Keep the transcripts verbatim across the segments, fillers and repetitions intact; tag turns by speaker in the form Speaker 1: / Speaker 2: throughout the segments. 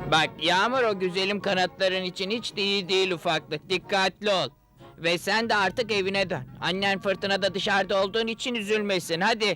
Speaker 1: Bak Yağmur, o güzelim kanatların için hiç de iyi değil ufaklık. Dikkatli ol. Ve sen de artık evine dön. Annen fırtınada dışarıda olduğun için üzülmesin. Hadi.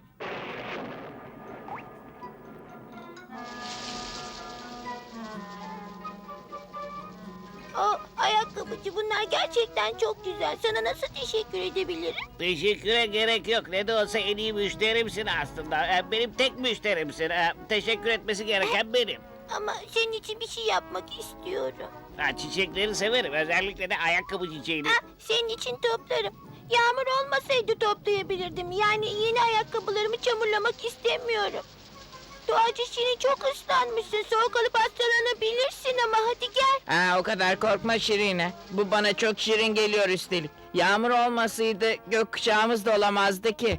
Speaker 2: Aa, ayakkabıcı, bunlar gerçekten çok güzel. Sana nasıl teşekkür edebilirim?
Speaker 3: Teşekküre gerek yok. Ne de olsa en iyi müşterimsin aslında. Ee, Benim tek müşterimsin. Ee, Teşekkür etmesi gereken benim.
Speaker 2: Ama senin için bir şey yapmak istiyorum.
Speaker 3: Ha, çiçekleri severim. Özellikle de ayakkabı çiçeğini.
Speaker 2: Ha, senin için toplarım. Yağmur olmasaydı toplayabilirdim. Yani yeni ayakkabılarımı çamurlamak istemiyorum. Doğacı Şirin, çok ıslanmışsın. Soğuk alıp hastalanabilirsin ama hadi gel.
Speaker 1: Ha, o kadar korkma Şirine. Bu bana çok şirin geliyor üstelik. Yağmur olmasaydı gökkuşağımız da olamazdı ki.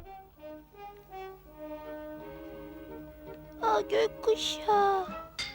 Speaker 2: Aa, gökkuşağı.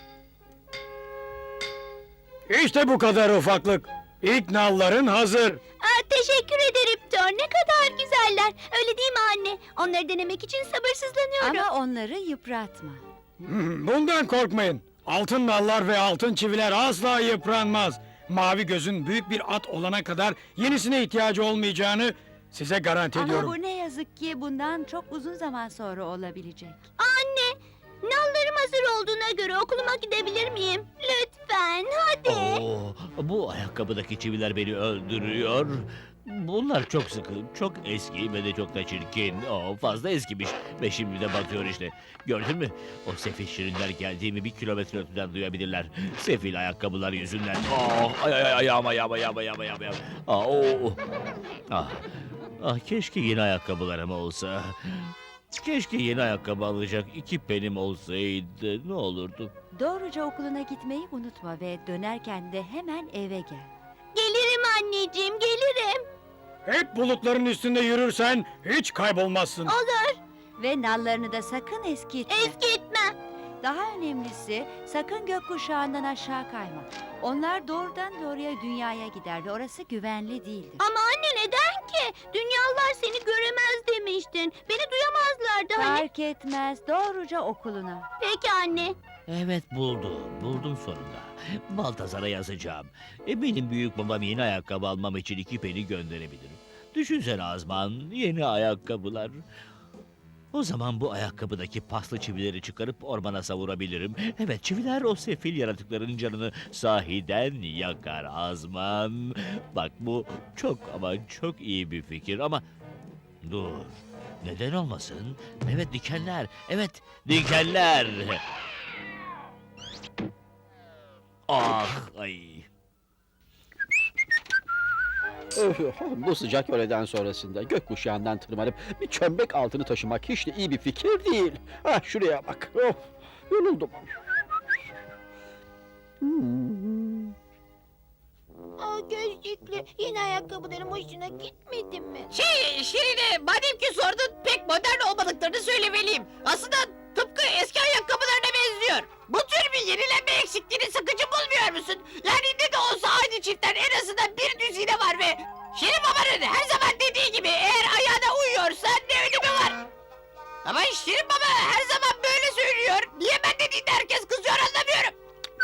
Speaker 4: İşte bu kadar ufaklık. İlk nalların hazır.
Speaker 2: Aa, teşekkür ederim Thor. Ne kadar güzeller. Öyle değil mi anne? Onları denemek için sabırsızlanıyorum.
Speaker 5: Ama onları yıpratma.
Speaker 4: Hmm, Bundan korkmayın. Altın nallar ve altın çiviler asla yıpranmaz. Mavi gözün büyük bir at olana kadar yenisine ihtiyacı olmayacağını size garanti
Speaker 5: Ama
Speaker 4: ediyorum.
Speaker 5: bu ne yazık ki bundan çok uzun zaman sonra olabilecek.
Speaker 2: Anne, nallarım hazır olduğuna göre okuluma gidebilir miyim? Lütfen, hadi.
Speaker 3: Oo, bu ayakkabıdaki çiviler beni öldürüyor. Bunlar çok sıkı, çok eski ve de çok da çirkin. Oo, fazla eskimiş ve şimdi de batıyor işte. Gördün mü? O sefil şirinler geldiğimi bir kilometre öteden duyabilirler. Sefil ayakkabılar yüzünden. Oh, ay ay ay ayağım ayağım ayağım ayağım ayağım. ayağım. Ah, oh. ah, ah, keşke yeni ayakkabılarım olsa. Keşke yeni ayakkabı alacak iki penim olsaydı. Ne olurdu?
Speaker 5: Doğruca okuluna gitmeyi unutma ve dönerken de hemen eve gel.
Speaker 2: Gelirim anneciğim, gelirim.
Speaker 4: Hep bulutların üstünde yürürsen hiç kaybolmazsın.
Speaker 2: Olur,
Speaker 5: Ve nallarını da sakın eskitme.
Speaker 2: eskitme.
Speaker 5: Daha önemlisi sakın gökkuşağından aşağı kayma. Onlar doğrudan doğruya dünyaya gider ve orası güvenli değildir.
Speaker 2: Ama anne, neden ki? Dünyalılar seni göremez demiştin. Beni duyamazlardı hani.
Speaker 5: Fark etmez, doğruca okuluna.
Speaker 2: Peki anne.
Speaker 3: Evet, buldum. Buldum sonunda. Baltazar'a yazacağım. Eminim büyük babam yeni ayakkabı almam için iki peni gönderebilir. Düşünsene Azman, yeni ayakkabılar. O zaman bu ayakkabıdaki paslı çivileri çıkarıp ormana savurabilirim. Evet, çiviler o sefil yaratıkların canını sahiden yakar Azman. Bak, bu çok ama çok iyi bir fikir ama... Dur, neden olmasın? Evet, dikenler, evet, dikenler. Ah, ay.
Speaker 6: Öf, Bu sıcak öğleden sonrasında gökkuşağından tırmanıp bir çömlek altını taşımak hiç de iyi bir fikir değil. Ah, şuraya bak. Of, yoruldum. Hmm.
Speaker 2: Aa, gözlüklü, yeni ayakkabılarım hoşuna gitmedi mi?
Speaker 7: Şey Şirine, madem ki sordun, pek modern olmadıklarını söylemeliyim. Aslında tıpkı eski ayakkabılarına benziyor. Bu tür bir yenilenme eksikliğini sıkıcı bulmuyor musun? Yani ne de olsa aynı çiftler en azından bir düzine var ve... Şirin babanın her zaman dediği gibi eğer ayağına uyuyorsa ne önemi var? Ama Şirin baba her zaman böyle söylüyor. Niye ben dediğinde herkes kızıyor anlamıyorum.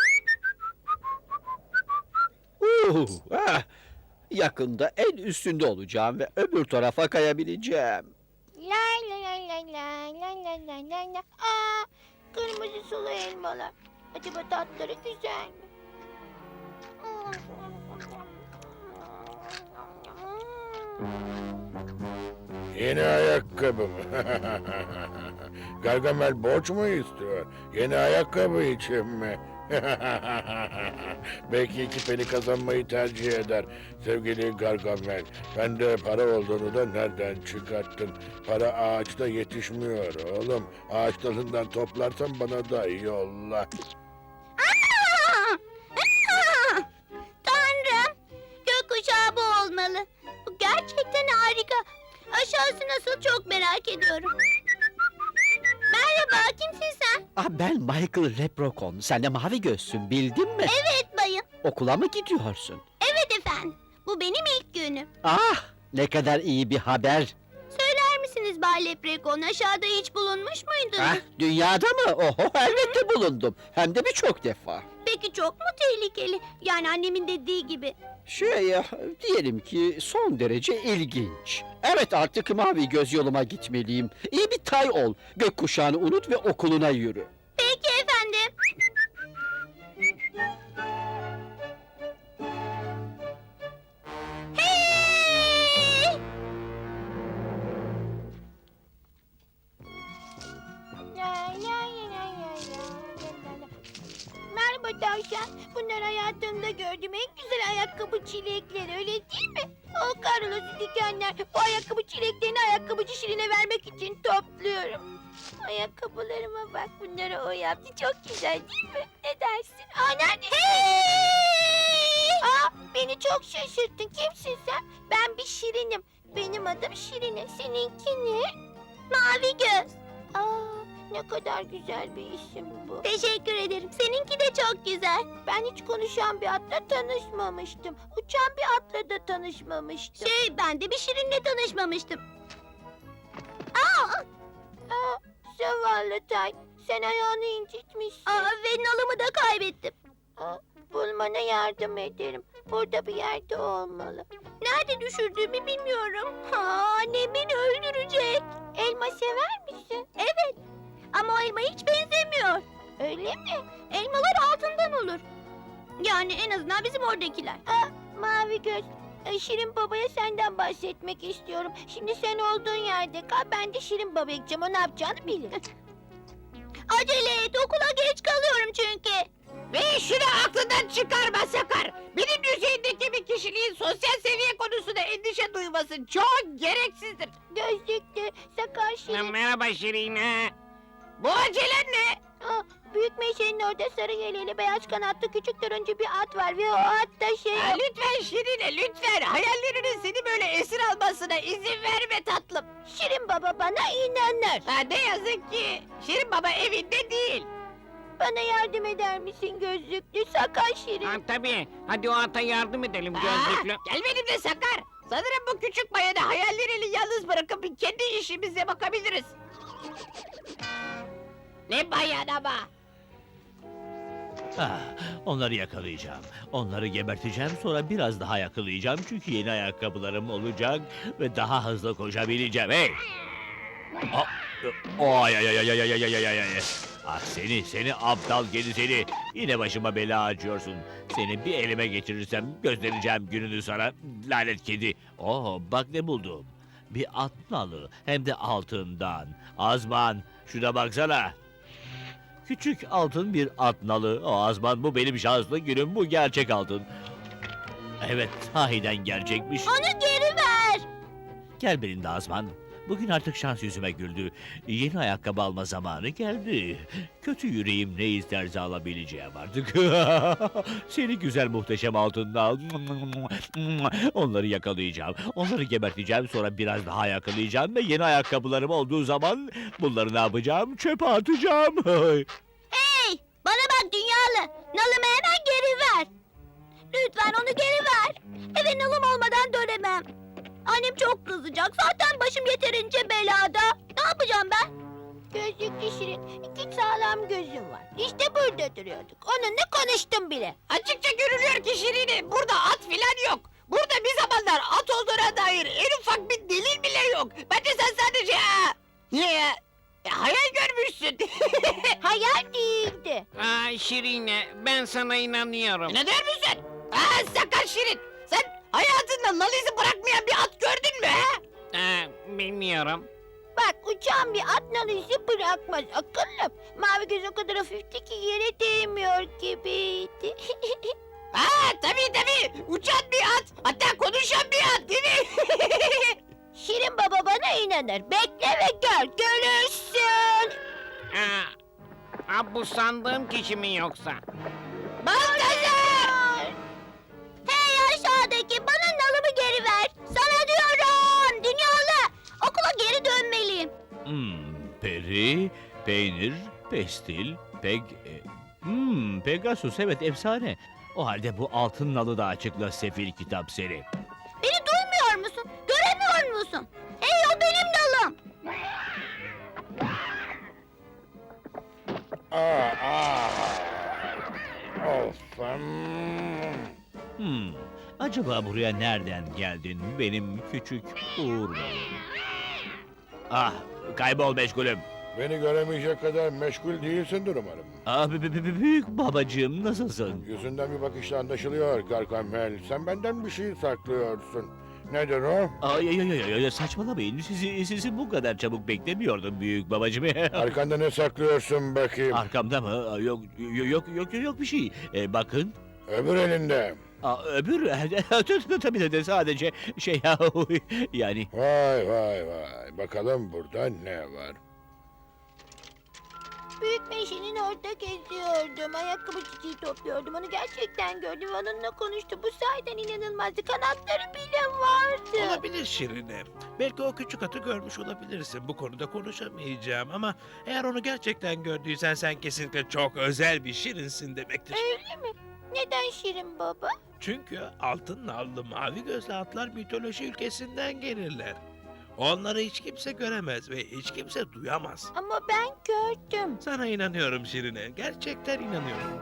Speaker 6: Uh, ah, yakında en üstünde olacağım ve öbür tarafa kayabileceğim.
Speaker 2: La la la la la la la la la la. Aa, kırmızı sulu elmalar. Acaba tatları güzel mi?
Speaker 8: Yeni ayakkabı mı? Gargamel borç mu istiyor? Yeni ayakkabı için mi? Belki iki peni kazanmayı tercih eder sevgili Gargamel. Ben de para olduğunu da nereden çıkarttın? Para ağaçta yetişmiyor oğlum. Ağaç dalından toplarsan bana da yolla.
Speaker 2: Aa! Aa! Tanrım, gökkuşağı bu olmalı. Bu gerçekten harika. Aşağısı nasıl, çok merak ediyorum. Merhaba, kimsin sen?
Speaker 6: Ah, ben Michael Leprechaun. Sen de mavi gözsün, bildin mi?
Speaker 2: Evet bayım.
Speaker 6: Okula mı gidiyorsun?
Speaker 2: Evet efendim. Bu benim ilk günüm.
Speaker 6: Ah, ne kadar iyi bir haber.
Speaker 2: Söyler misiniz Bay Leprechaun, aşağıda hiç bulunmuş muydunuz?
Speaker 6: Ah, dünyada mı? Oho, elbette bulundum. Hem de birçok defa.
Speaker 2: Peki Peki çok mu tehlikeli? Yani annemin dediği gibi.
Speaker 6: Şey ya, diyelim ki son derece ilginç. Evet, artık mavi göz yoluma gitmeliyim. İyi bir tay ol. Gökkuşağını unut ve okuluna yürü.
Speaker 2: Peki efendim. Hey! Merhaba tavşan. Bunlar hayatımda gördüğüm en güzel ayakkabı çilekleri, öyle değil mi? O Carlos'u dikenler. Bu ayakkabı çileklerini ayakkabıcı Şirin'e vermek için topluyorum. Ayakkabılarıma bak, bunları o yaptı. Çok güzel değil mi? Ne dersin? Aa, nerede? Hey! Aa, beni çok şaşırttın. Kimsin sen? Ben bir Şirin'im. Benim adım Şirine. Seninki ne? Mavi göz. Aa, ne kadar güzel bir isim bu. Teşekkür ederim. Seninki de çok güzel. Ben hiç konuşan bir atla tanışmamıştım. Uçan bir atla da tanışmamıştım. Şey, ben de bir Şirin'le tanışmamıştım. Aa! Aa, zavallı Tay. Sen ayağını incitmişsin. Aa, ve nalımı da kaybettim. Aa, bulmana yardım ederim. Burada bir yerde olmalı. Nerede düşürdüğümü bilmiyorum. Ha, annem beni öldürecek. Elma sever misin? Evet. Ama o elma hiç benzemiyor. Öyle mi? Elmalar altından olur. Yani en azından bizim oradakiler. Aa, mavi göz. Ee, Şirin Baba'ya senden bahsetmek istiyorum. Şimdi sen olduğun yerde kal. Ben de Şirin Baba'ya gideceğim. O ne yapacağını bilir. Acele et. Okula geç kalıyorum çünkü.
Speaker 7: Ve şunu aklından çıkarma Sakar. Benim düzeyindeki bir kişiliğin sosyal seviye konusunda endişe duyması çok gereksizdir.
Speaker 2: Gözlüklü, sakar Şirin.
Speaker 1: Merhaba Şirine.
Speaker 7: Bu acelen ne?
Speaker 2: Aa, büyük meşenin orada sarı yeleli beyaz kanatlı küçük turuncu bir at var ve o at da şey...
Speaker 7: Ha, lütfen Şirine lütfen. Hayallerinin seni böyle esir almasına izin verme tatlım.
Speaker 2: Şirin Baba bana inanır.
Speaker 7: Ha, ne yazık ki Şirin Baba evinde değil.
Speaker 2: Bana yardım eder misin gözlüklü sakar Şirin?
Speaker 1: Ha, tabii. Hadi o ata yardım edelim
Speaker 7: Aa,
Speaker 1: gözlüklü.
Speaker 7: gel benimle Sakar. Sanırım bu küçük bayanı hayallerini yalnız bırakıp kendi işimize bakabiliriz. Ne bayan ama.
Speaker 3: Ah, onları yakalayacağım. Onları geberteceğim, sonra biraz daha yakalayacağım çünkü yeni ayakkabılarım olacak ve daha hızlı koşabileceğim. Hey! Ah, ay ay ay ay ay ay ay ay ay ay. Ah seni, seni aptal kedi seni. Yine başıma bela açıyorsun. Seni bir elime geçirirsem göstereceğim gününü sana. Lanet kedi. Oh bak ne buldum. Bir at nalı hem de altından. Azman şuna baksana. Küçük altın bir at nalı. O Azman bu benim şanslı günüm, bu gerçek altın. Evet sahiden gerçekmiş.
Speaker 2: Onu geri ver.
Speaker 3: Gel benimle Azman. Bugün artık şans yüzüme güldü. Yeni ayakkabı alma zamanı geldi. Kötü yüreğim ne isterse alabileceğim artık. Seni güzel muhteşem altınla. Onları yakalayacağım. Onları geberteceğim, sonra biraz daha yakalayacağım ve yeni ayakkabılarım olduğu zaman bunları ne yapacağım? Çöpe atacağım.
Speaker 2: Hey, bana bak dünyalı. Nalımı hemen geri ver. Lütfen onu geri ver. Eve nalım olmadan dönemem. Annem çok kızacak. Zaten başım yeterince belada. Ne yapacağım ben? Gözlüklü Şirin, iki sağlam gözüm var. İşte burada duruyorduk. Onunla konuştum bile.
Speaker 7: Açıkça görülüyor ki Şirine burada at filan yok. Burada bir zamanlar at olduğuna dair en ufak bir delil bile yok. Bence sen sadece... Aa, ya, e, hayal görmüşsün.
Speaker 2: Hayal değildi.
Speaker 1: Aa, Şirine, ben sana inanıyorum.
Speaker 7: Ne der misin? Aa, sakar Şirin. Sen hayatında nal izi bırakmayan bir at gördün mü ha?
Speaker 1: Aa, bilmiyorum.
Speaker 2: Bak, uçan bir at nal izi bırakmaz akıllım. Mavi göz o kadar hafifti ki yere değmiyor gibiydi.
Speaker 7: Aa, tabii tabii. Uçan bir at. Hatta konuşan bir at değil mi?
Speaker 2: Şirin Baba bana inanır. Bekle ve gör, görürsün.
Speaker 1: Aa, aa, bu sandığım kişi mi yoksa?
Speaker 7: Baltazar!
Speaker 2: Hey aşağıdaki, bana nalımı geri ver. Sana diyorum, dünyalı. Okula geri dönmeliyim.
Speaker 3: Hmm, peri, peynir, pestil, peg... e, Hmm, Pegasus, evet efsane. O halde bu altın nalı da açıkla sefil kitap seni.
Speaker 2: Beni duymuyor musun? Göremiyor musun? Hey, o benim nalım.
Speaker 8: Aa, aa. Of. olmazsam...
Speaker 3: Hmm, acaba buraya nereden geldin benim küçük Uğur Bey? Ah, kaybol meşgulüm.
Speaker 8: Beni göremeyecek kadar meşgul değilsindir umarım.
Speaker 3: Ah, b- b- b- büyük babacığım nasılsın?
Speaker 8: Yüzünden bir bakışla anlaşılıyor Gargamel. Sen benden bir şey saklıyorsun. Nedir o?
Speaker 3: Ay ay ay ay ay, saçmalamayın. Sizi sizi bu kadar çabuk beklemiyordum büyük babacığım.
Speaker 8: Arkanda ne saklıyorsun bakayım?
Speaker 3: Arkamda mı? Aa, Yok yok yok yok yok bir şey. Ee, bakın.
Speaker 8: Öbür elinde.
Speaker 3: Aa, öbür tabii de de sadece şey ya yani.
Speaker 8: Vay vay vay. Bakalım burada ne var?
Speaker 2: Büyük meşenin orada geziyordum. Ayakkabı çiçeği topluyordum. Onu gerçekten gördüm ve onunla konuştum. Bu sahiden inanılmazdı. Kanatları bile vardı.
Speaker 9: Olabilir Şirine. Belki o küçük atı görmüş olabilirsin. Bu konuda konuşamayacağım ama eğer onu gerçekten gördüysen sen kesinlikle çok özel bir Şirinsin demektir.
Speaker 2: Öyle mi? Neden Şirin baba?
Speaker 9: Çünkü altın nallı mavi gözlü atlar mitoloji ülkesinden gelirler. Onları hiç kimse göremez ve hiç kimse duyamaz.
Speaker 2: Ama ben gördüm.
Speaker 9: Sana inanıyorum Şirine. Gerçekten inanıyorum.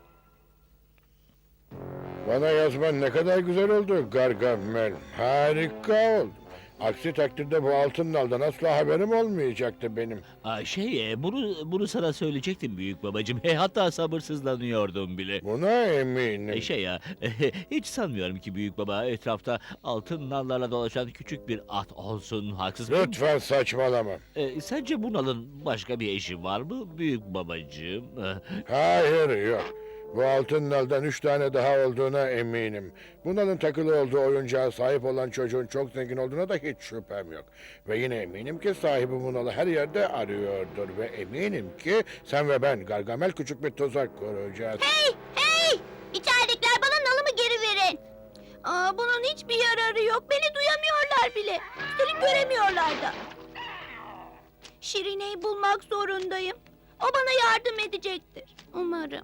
Speaker 8: Bana yazman ne kadar güzel oldu Gargamel. Harika oldu. Aksi takdirde bu altın naldan asla haberim olmayacaktı benim.
Speaker 3: Aa, şey e, bunu bunu sana söyleyecektim büyük babacığım. E, hatta sabırsızlanıyordum bile.
Speaker 8: Buna eminim.
Speaker 3: E, şey ya hiç sanmıyorum ki büyük baba etrafta altın nallarla dolaşan küçük bir at olsun, haksız mıyım?
Speaker 8: Lütfen saçmalama.
Speaker 3: E, sence bu nalın başka bir eşi var mı büyük babacığım?
Speaker 8: Hayır yok. Bu altın naldan üç tane daha olduğuna eminim. Bu nalın takılı olduğu oyuncağa sahip olan çocuğun çok zengin olduğuna da hiç şüphem yok. Ve yine eminim ki sahibi bu nalı her yerde arıyordur. Ve eminim ki sen ve ben Gargamel küçük bir tuzak kuracağız.
Speaker 2: Hey! Hey! İçeridekiler bana nalımı geri verin. Aa, bunun hiçbir yararı yok. Beni duyamıyorlar bile. Seni göremiyorlar da. Şirine'yi bulmak zorundayım. O bana yardım edecektir. Umarım.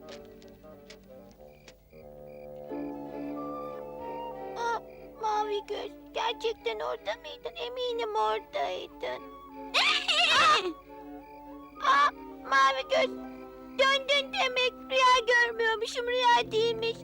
Speaker 2: Aa, mavi göz. Gerçekten orada mıydın? Eminim oradaydın. Aa, mavi göz. Döndün demek. Rüya görmüyormuşum. Rüya değilmiş.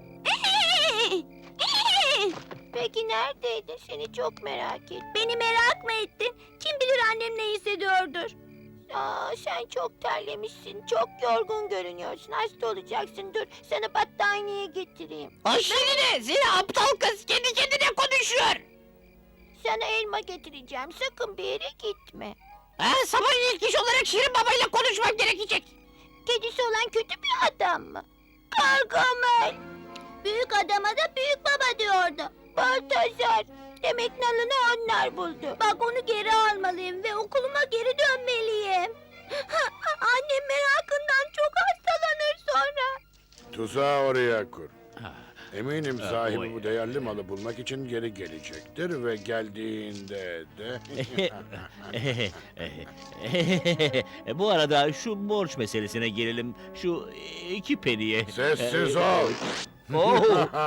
Speaker 2: Peki neredeydin? Seni çok merak ettim. Beni merak mı ettin? Kim bilir annem ne hissediyordur. Aa, sen çok terlemişsin. Çok yorgun görünüyorsun. Hasta olacaksın. Dur sana battaniye getireyim.
Speaker 7: Ay Şirine, seni aptal kız kendi kendine konuşuyor.
Speaker 2: Sana elma getireceğim. Sakın bir yere gitme.
Speaker 7: Ha, sabah ilk iş olarak Şirin babayla konuşmam gerekecek.
Speaker 2: Kedisi olan kötü bir adam mı? Gargamel. Büyük adama da büyük baba diyordu. Baltazar. Demek nalını onlar buldu. Bak onu geri almalıyım ve okuluma geri dönmeliyim. Annem merakından çok hastalanır sonra.
Speaker 8: Tuzağı oraya kur.
Speaker 3: Ha,
Speaker 8: Eminim
Speaker 3: Ha,
Speaker 8: sahibi
Speaker 3: oy.
Speaker 8: bu değerli malı bulmak için geri gelecektir ve geldiğinde de...
Speaker 3: Bu arada şu borç meselesine gelelim. Şu iki peniye.
Speaker 8: Sessiz
Speaker 3: Ee,
Speaker 8: ol.
Speaker 3: Oh,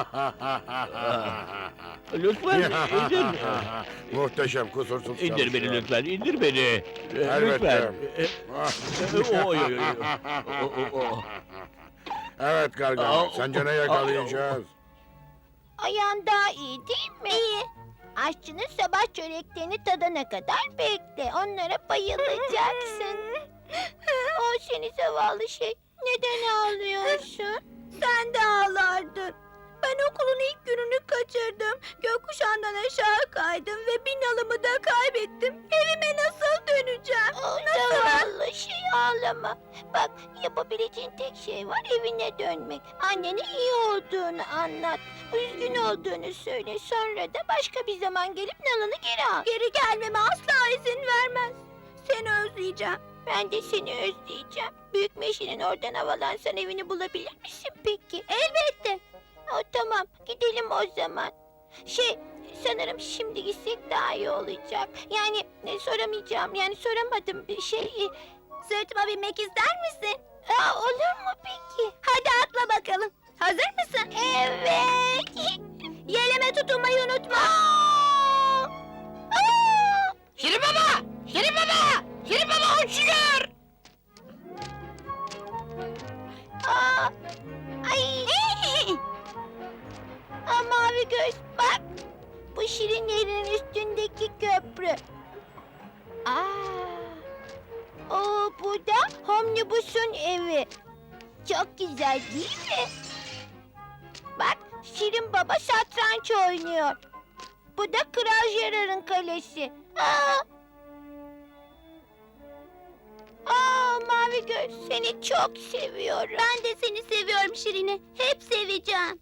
Speaker 3: lütfen indir.
Speaker 8: Muhteşem, kusursuz
Speaker 3: İndir beni
Speaker 8: çalışıyor.
Speaker 3: lütfen, indir beni. Ee,
Speaker 8: Elbette.
Speaker 3: Lütfen. Oy, oy, oy. O, o, o.
Speaker 8: Evet Gargamel,
Speaker 3: Aa,
Speaker 8: sence ne
Speaker 3: aa,
Speaker 8: yakalayacağız?
Speaker 2: Ayağın daha iyi değil mi? İyi. Aşçının sabah çöreklerini tadana kadar bekle. Onlara bayılacaksın. O seni zavallı şey. Neden ağlıyorsun? Sen de ağlardın. Ben okulun ilk gününü kaçırdım. Gökkuşağından aşağı kaydım ve bin alımı da kaybettim. Evime nasıl döneceğim? Nasıl? Zavallı şey ağlama. Bak yapabileceğin tek şey var evine dönmek. Annene iyi olduğunu anlat. Üzgün olduğunu söyle. Sonra da başka bir zaman gelip nalını geri al. Geri gelmeme asla izin vermez. Seni özleyeceğim. Ben de seni özleyeceğim. Büyük meşenin oradan havalansan evini bulabilir misin peki? Elbette. O tamam gidelim o zaman. Şey sanırım şimdi gitsek daha iyi olacak. Yani e, soramayacağım yani soramadım bir şey. E, Sırtıma binmek ister misin? Aa, olur mu peki? Hadi atla bakalım. Hazır mısın? Evet. Yeleme tutunmayı unutma. Aa! Aa!
Speaker 7: Şirin baba! Şirin baba! Şirin baba uçuyor!
Speaker 2: Aa! Ay! Mavi göz bak. Bu şirinlerin üstündeki köprü. Aa. O bu da Omnibus'un evi. Çok güzel değil mi? Bak Şirin Baba satranç oynuyor. Bu da Kral Gerard'ın kalesi. Aa! Aa Mavi göz seni çok seviyorum. Ben de seni seviyorum Şirin'e. Hep seveceğim.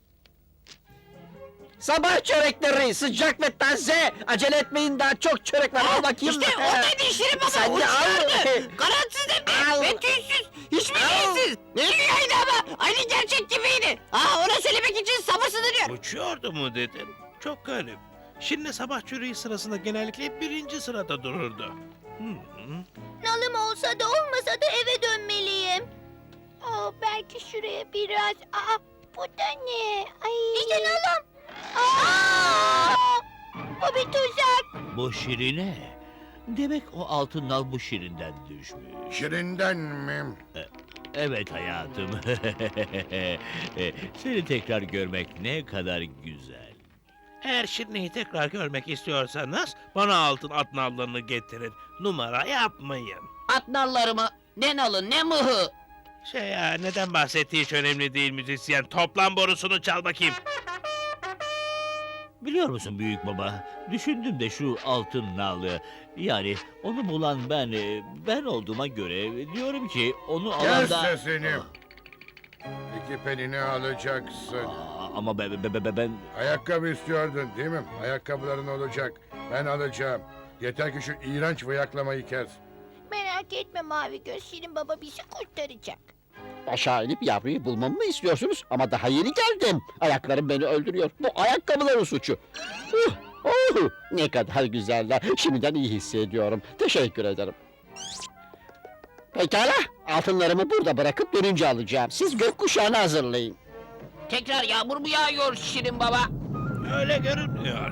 Speaker 6: Sabah çörekleri sıcak ve taze. Acele etmeyin daha çok çörek var. Al bakayım.
Speaker 7: İşte oradaydı Şirin Baba.
Speaker 6: Sen de al.
Speaker 7: Uçlardı. Kanatsız
Speaker 6: Al.
Speaker 7: ve tüysüz. Hiçbir
Speaker 6: Al.
Speaker 7: şeysiz. Ne rüyaydı ama. Aynı gerçek gibiydi. Aa, ona söylemek için sabırsızlanıyorum.
Speaker 9: Uçuyordu mu dedim. Çok garip. Şirin'le sabah çürüğü sırasında genellikle birinci sırada dururdu. Hmm.
Speaker 2: Nalım olsa da olmasa da eve dönmeliyim. Aa, belki şuraya biraz... Aa, bu da ne? Ay. İşte nalım. Aa, bu bir tuzak.
Speaker 3: Bu Şirine. Demek o altın nal bu Şirin'den düşmüş.
Speaker 8: Şirinden mi?
Speaker 3: Evet hayatım. Seni tekrar görmek ne kadar güzel.
Speaker 9: Eğer Şirin'i tekrar görmek istiyorsanız bana altın at nallarını getirin. Numara yapmayın.
Speaker 7: At nallarımı. Ne nalı ne mıhı.
Speaker 9: Şey ya, neden bahsettiği hiç önemli değil müzisyen. Toplam borusunu çal bakayım.
Speaker 3: Biliyor musun büyük baba? Düşündüm de şu altın nalı. Yani onu bulan ben, e, ben olduğuma göre diyorum ki onu alan
Speaker 8: Kes
Speaker 3: da...
Speaker 8: sesini. İki penini alacaksın.
Speaker 3: Aa, ama ben, ben, ben, ben...
Speaker 8: Ayakkabı istiyordun değil mi? Ayakkabıların olacak. Ben alacağım. Yeter ki şu iğrenç bıyaklamayı kes.
Speaker 2: Merak etme Mavi göz. Şirin Baba bizi kurtaracak.
Speaker 6: Aşağı inip yavruyu bulmamı mı istiyorsunuz? Ama daha yeni geldim. Ayaklarım beni öldürüyor. Bu ayakkabıların suçu. Uh, uh, ne kadar güzeller. Şimdiden iyi hissediyorum. Teşekkür ederim. Pekala. Altınlarımı burada bırakıp dönünce alacağım. Siz gökkuşağını hazırlayın.
Speaker 7: Tekrar yağmur mu yağıyor Şirin Baba?
Speaker 9: Öyle görünmüyor.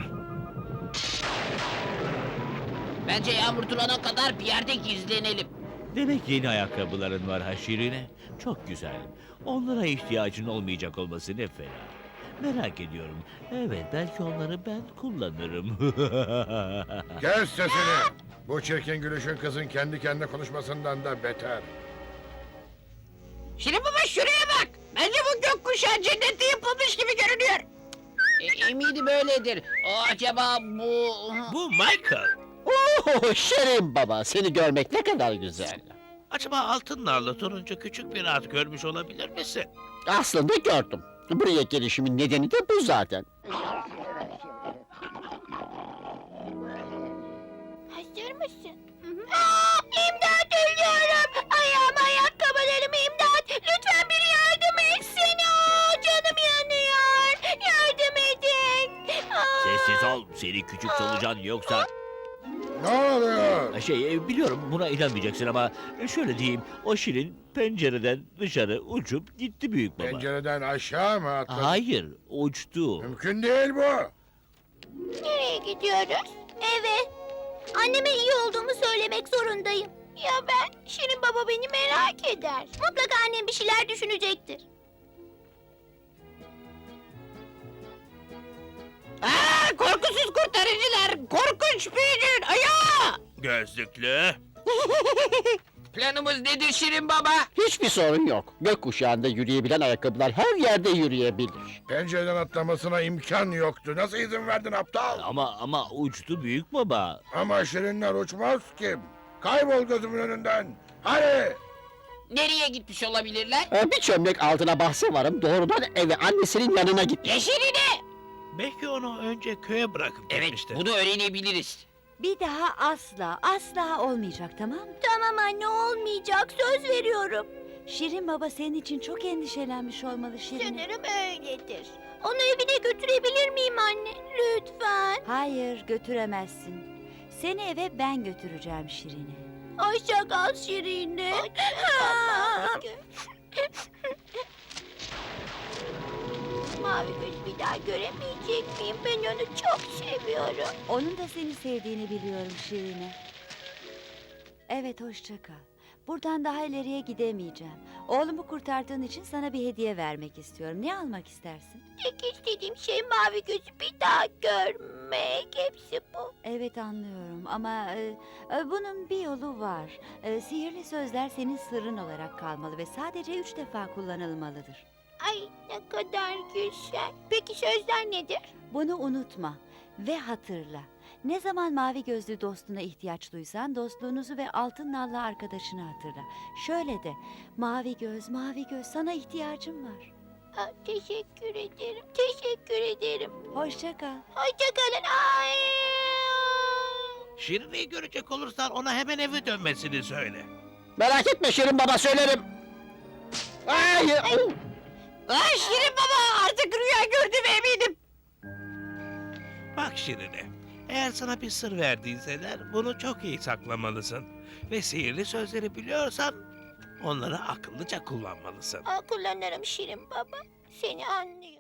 Speaker 7: Bence yağmur durana kadar bir yerde gizlenelim.
Speaker 3: Demek yeni ayakkabıların var ha Şirine. Çok güzel. Onlara ihtiyacın olmayacak olması ne fena. Merak ediyorum. Evet, belki onları ben kullanırım.
Speaker 8: Kes sesini. Bu çirkin gülüşün kızın kendi kendine konuşmasından da beter.
Speaker 7: Şirin Baba şuraya bak. Bence bu gökkuşağı cennette yapılmış gibi görünüyor. E, eminim öyledir. O acaba bu...
Speaker 9: Bu Michael.
Speaker 6: Oh, Şirin Baba, seni görmek ne kadar güzel.
Speaker 9: Acaba altın narlı turuncu küçük bir at görmüş olabilir misin?
Speaker 6: Aslında gördüm. Buraya gelişimin nedeni de bu zaten.
Speaker 2: Hazır mısın? Aa, imdat ölüyorum. Ayağım ayakkabılarım imdat. Lütfen biri yardım etsin. Aa, canım yanıyor. Yardım edin. Aa.
Speaker 3: Sessiz ol, seni küçük solucan yoksa...
Speaker 8: Ne oluyor?
Speaker 3: Şey, e, biliyorum buna inanmayacaksın ama e, şöyle diyeyim, o Şirin pencereden dışarı uçup gitti büyük baba.
Speaker 8: Pencereden aşağı mı atladın?
Speaker 3: Hayır, uçtu.
Speaker 8: Mümkün değil bu.
Speaker 2: Nereye gidiyoruz? Eve. Anneme iyi olduğumu söylemek zorundayım. Ya ben? Şirin Baba beni merak eder. Mutlaka annem bir şeyler düşünecektir.
Speaker 7: Aa, korkusuz kurtarıcılar. Korkunç büyücün ayağı.
Speaker 9: Gözlüklü.
Speaker 1: Planımız nedir Şirin Baba?
Speaker 6: Hiçbir sorun yok. Gökkuşağında yürüyebilen ayakkabılar her yerde yürüyebilir.
Speaker 8: Pencereden atlamasına imkan yoktu. Nasıl izin verdin aptal?
Speaker 3: Ama ama uçtu büyük baba.
Speaker 8: Ama şirinler uçmaz ki. Kaybol gözümün önünden. Hadi.
Speaker 7: Nereye gitmiş olabilirler?
Speaker 6: Ee, Bir çömlek altına bahse varım. Doğrudan eve annesinin yanına gitmiş.
Speaker 7: Yeşiline.
Speaker 9: Belki onu önce köye bırakıp
Speaker 1: Evet,
Speaker 9: gitmiştir.
Speaker 1: bunu öğrenebiliriz.
Speaker 5: Bir daha asla, asla olmayacak, tamam mı?
Speaker 2: Tamam anne olmayacak söz veriyorum.
Speaker 5: Şirin Baba senin için çok endişelenmiş olmalı Şirin.
Speaker 2: Sanırım öyledir. Onu evine götürebilir miyim anne? Lütfen.
Speaker 5: Hayır, götüremezsin. Seni eve ben götüreceğim Şirin'e.
Speaker 2: Hoşça kal Şirin'e. Mavi göz bir daha göremeyecek miyim? Ben onu çok seviyorum.
Speaker 5: Onun da seni sevdiğini biliyorum Şirin'e. Evet, hoşça kal. Buradan daha ileriye gidemeyeceğim. Oğlumu kurtardığın için sana bir hediye vermek istiyorum. Ne almak istersin?
Speaker 2: Tek istediğim şey mavi gözü bir daha görmek. Hepsi bu.
Speaker 5: Evet anlıyorum ama e, e, bunun bir yolu var. E, sihirli sözler senin sırrın olarak kalmalı ve sadece üç defa kullanılmalıdır.
Speaker 2: Ay ne kadar güzel. Peki sözler nedir?
Speaker 5: Bunu unutma ve hatırla. Ne zaman mavi gözlü dostuna ihtiyaç duysan dostluğunuzu ve altın nallı arkadaşını hatırla. Şöyle de mavi göz mavi göz sana ihtiyacım var.
Speaker 2: Aa, teşekkür ederim. Teşekkür ederim.
Speaker 5: Hoşça kal.
Speaker 2: Hoşçakalın. Ay.
Speaker 9: Şirine'yi görecek olursan ona hemen eve dönmesini söyle.
Speaker 6: Merak etme Şirin Baba, söylerim. Ay, oh.
Speaker 7: Ay Şirin baba artık rüya gördüm eminim.
Speaker 9: Bak Şirine, eğer sana bir sır verdiyseler bunu çok iyi saklamalısın. Ve sihirli sözleri biliyorsan onları akıllıca kullanmalısın.
Speaker 2: Aa, kullanırım Şirin Baba. Seni anlıyorum.